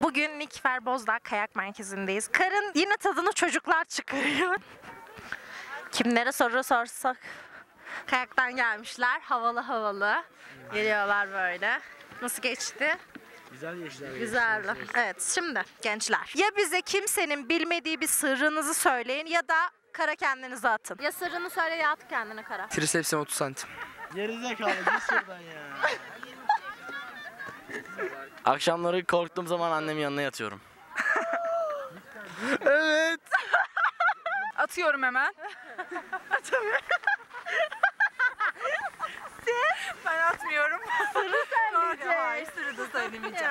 Bugün Nikfer Bozdağ Kayak Merkezi'ndeyiz. Karın yine tadını çocuklar çıkarıyor. Kimlere soru sorsak. Kayaktan gelmişler. Havalı havalı. Geliyorlar böyle. Nasıl geçti? Güzel geçti. Güzeldi. Evet, şimdi gençler. Ya bize kimsenin bilmediği bir sırrınızı söyleyin ya da kara kendinizi atın. Ya sırrını söyle ya at kendini kara. Trisepsim 30 santim. Gerizekalı git şuradan ya. Akşamları korktuğum zaman annemin yanına yatıyorum. Evet. Atıyorum hemen. Atamıyorum. Ben atmıyorum. Sırrı söyleyecek. Hayır, sırrı da söylemeyeceğim.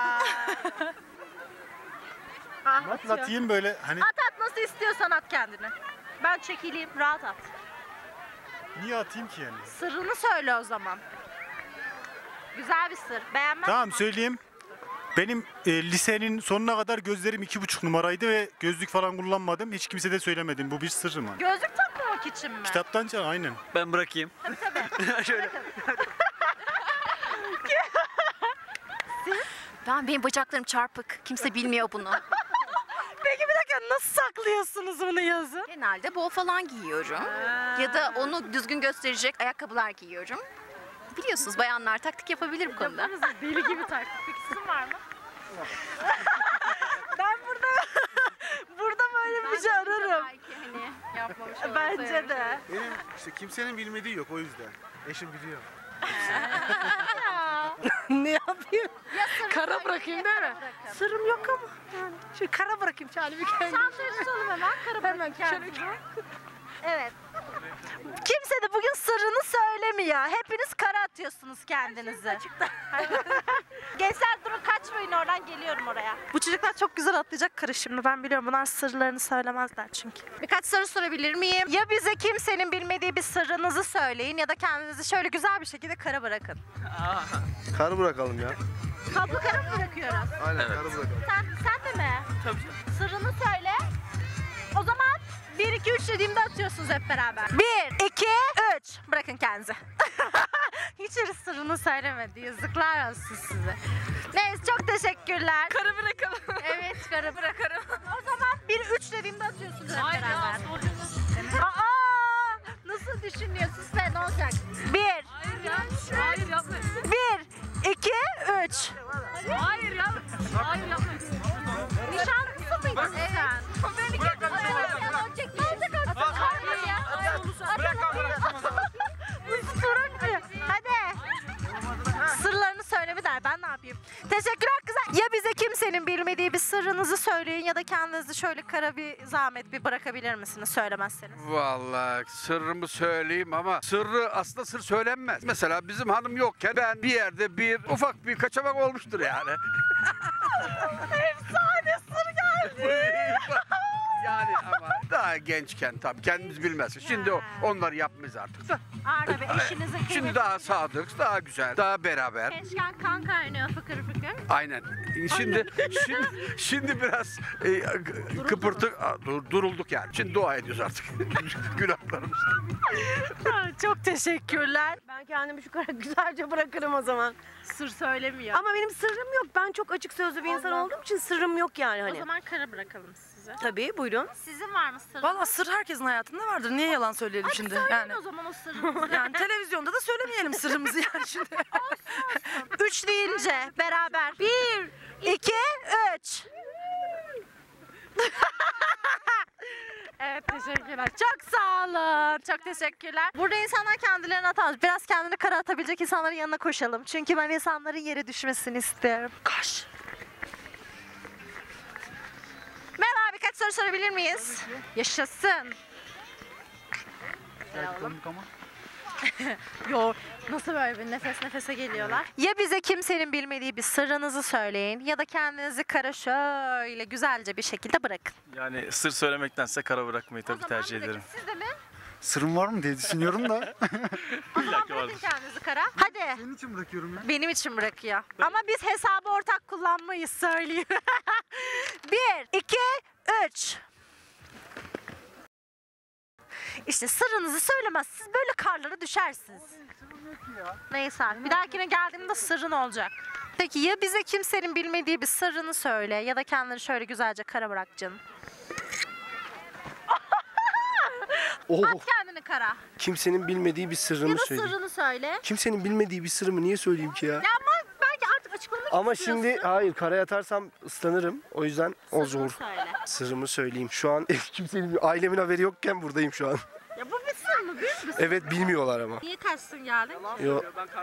Atlatayım böyle hani. At nasıl istiyorsan at kendini. Ben çekileyim, rahat at. Niye atayım ki yani? Sırrını söyle o zaman. Güzel bir sır. Beğenmez Tamam misin? söyleyeyim. Benim lisenin sonuna kadar gözlerim 2,5 numaraydı ve gözlük falan kullanmadım. Hiç kimse de söylemedim. Bu bir sırrım hani. Gözlük takmamak için mi? Kitaptan can aynen. Ben bırakayım. Şöyle. Benim bacaklarım çarpık. Kimse bilmiyor bunu. Peki bir dakika, nasıl saklıyorsunuz bunu yazın? Genelde bol falan giyiyorum. Ya da onu düzgün gösterecek ayakkabılar giyiyorum. Biliyorsunuz bayanlar taktik yapabilir bu konuda. Deli gibi taktık. Peki sizin var mı? Ben burada böyle bir şey ararım. Belki hani yapmamış Bence de. Benim işte kimsenin bilmediği yok o yüzden. Eşim biliyor. Ne yapayım? Kara bırakayım değil mi? Sırrım yok ama. Yani. Şu kara bırakayım Çağrı bir kere. Çantayı tutalım hemen. Kara bırakayım kendinizi. Evet. Kimse de bugün sırrını söylemiyor. Hepiniz kara atıyorsunuz kendinizi. Gençler durun, kaçmayın oradan, geliyorum oraya. Bu çocuklar çok güzel atlayacak karı şimdi, ben biliyorum. Bunlar sırlarını söylemezler çünkü. Birkaç soru sorabilir miyim? Ya bize kimsenin bilmediği bir sırrınızı söyleyin ya da kendinizi şöyle güzel bir şekilde kara bırakın. Kar bırakalım ya. Kaplı kara mı bırakıyoruz? Aynen karı bırakalım. Sen de mi? Tabii. Sırrını söyle. O zaman 1, 2, 3 dediğimde atıyorsunuz hep beraber. 1, 2, 3. Bırakın kendinizi. Hiç sırrını söylemedi. Yazıklar olsun size. Neyse, çok teşekkürler. Kara bırakalım. Evet, kara Bırakarım. O zaman 1, 3 dediğimde atıyorsunuz hep Hayır beraber. ya, Aa! Nasıl düşünüyorsun sen? Ne olacak? 1, Hayır ya. Hayır yapma. 1, 2, 3. Hayır ya. Hayır yapma. Nişanlısı mıydın sen? Beni getir. Ne olacak? Hayır ya. Hadi. Sırlarını söyleme der. Ben ne yapayım? Teşekkürler kızlar. Ya bize kimsenin bilmediği bir sırrınızı söyleyin ya da kendinizi şöyle kara bir zahmet bir bırakabilir misiniz söylemezseniz? Vallahi sırrımı söyleyeyim ama sırrı aslında sır söylenmez. Mesela bizim hanım yokken ben bir yerde ufak bir kaçamak olmuştur yani. Efsane sır geldi. Yani ama daha gençken tabii kendimiz bilmezsin. Şimdi onlar yapmayız artık da. Arda Bey, eşinizin Şimdi kıymetini daha sadık, daha güzel, daha beraber. Gençken kan kaynıyor fıkır fıkır. Aynen. Şimdi biraz durulduk yani. Şimdi dua ediyoruz artık. Günahlarımız. Çok teşekkürler. Ben kendimi şu kadar güzelce bırakırım o zaman. Sır söylemiyor. Ama benim sırrım yok. Ben çok açık sözlü bir insan olduğum için sırrım yok yani O hani. zaman kara bırakalım size. Tabii buyurun. Sizin var mı sırrınız? Valla sır herkesin hayatında vardır. Niye yalan söyleyelim şimdi? Söyleyin o zaman o sırrınızı. Yani televizyonda da söylemeyelim sırrımızı yani şimdi. 3 deyince beraber. 1, 2, 3. Evet, teşekkürler. Çok sağ olun. Çok teşekkürler. Burada insanlar kendilerini atar. Biraz kendini kara atabilecek insanların yanına koşalım. Çünkü ben insanların yere düşmesini istiyorum. Koş. Merhaba, birkaç soru sorabilir miyiz? Yaşasın. Yo, nasıl böyle bir nefes nefese geliyorlar? Ya bize kimsenin bilmediği bir sırrınızı söyleyin ya da kendinizi kara şöyle güzelce bir şekilde bırakın. Yani sır söylemektense kara bırakmayı tabii tercih bırakın. ederim. Siz de mi? Sırrım var mı diye düşünüyorum da. O zaman ki bırakın vardır. kendinizi kara. Hadi. Senin için bırakıyorum ya. Benim için bırakıyor. Ama biz hesabı ortak kullanmayız, söyleyeyim. 1, 2, 3. İşte sırrınızı söylemezsiniz, böyle karlara düşersiniz. Neyse, bir dahakine geldiğimde sırrın olacak. Peki ya bize kimsenin bilmediği bir sırrını söyle ya da kendini şöyle güzelce kara bırak canım. Oh, At kendini kara. kimsenin bilmediği bir sırrımı Ya da söyleyeyim. sırrını söyle. Kimsenin bilmediği bir sırrımı niye söyleyeyim ki ya? Ya ama belki artık açıklamak Ama istiyorsun. şimdi hayır, kara yatarsam ıslanırım. O yüzden o Sırrını zor. söyle. Sırrımı söyleyeyim. Şu an kimsenin, ailemin haberi yokken buradayım şu an. Ya bu bir sır mı? Büyük bir sır. Evet, bilmiyorlar ama. Niye kaçsın geldin? Yo,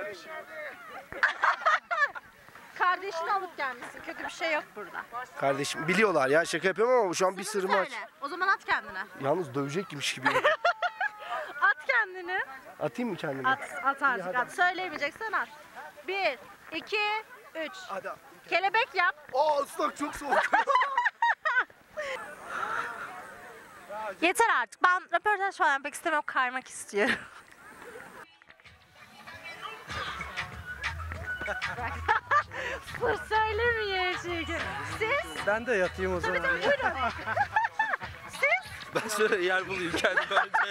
Kardeşini alıp gelmişsin. Kötü bir şey yok burada. kardeşim biliyorlar ya, şaka yapıyorum ama şu an bir Sırrını sırrımı aç. söyle. O zaman at kendine. Yalnız dövecekmiş gibi. At kendini. Atayım mı kendimi? At artık at. Söyleyemeyeceksen at. 1, 2, 3. Hadi. Kelebek yap. Aa, ıslak çok soğuk. Yeter artık. Ben röportaj falan yapmak istemiyorum. Kaymak istiyorum. Sır söylemiyor çünkü. Siz? Ben de yatayım o zaman. Ben şöyle yer bulayım kendime önce.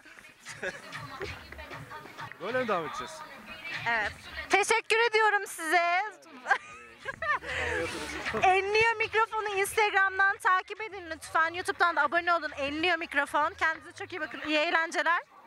Böyle mi devam edeceğiz? Evet. Teşekkür ediyorum size. Enliyor Mikrofonu Instagram'dan takip edin lütfen. YouTube'dan da abone olun. Enliyor Mikrofon. Kendinize çok iyi bakın. İyi eğlenceler.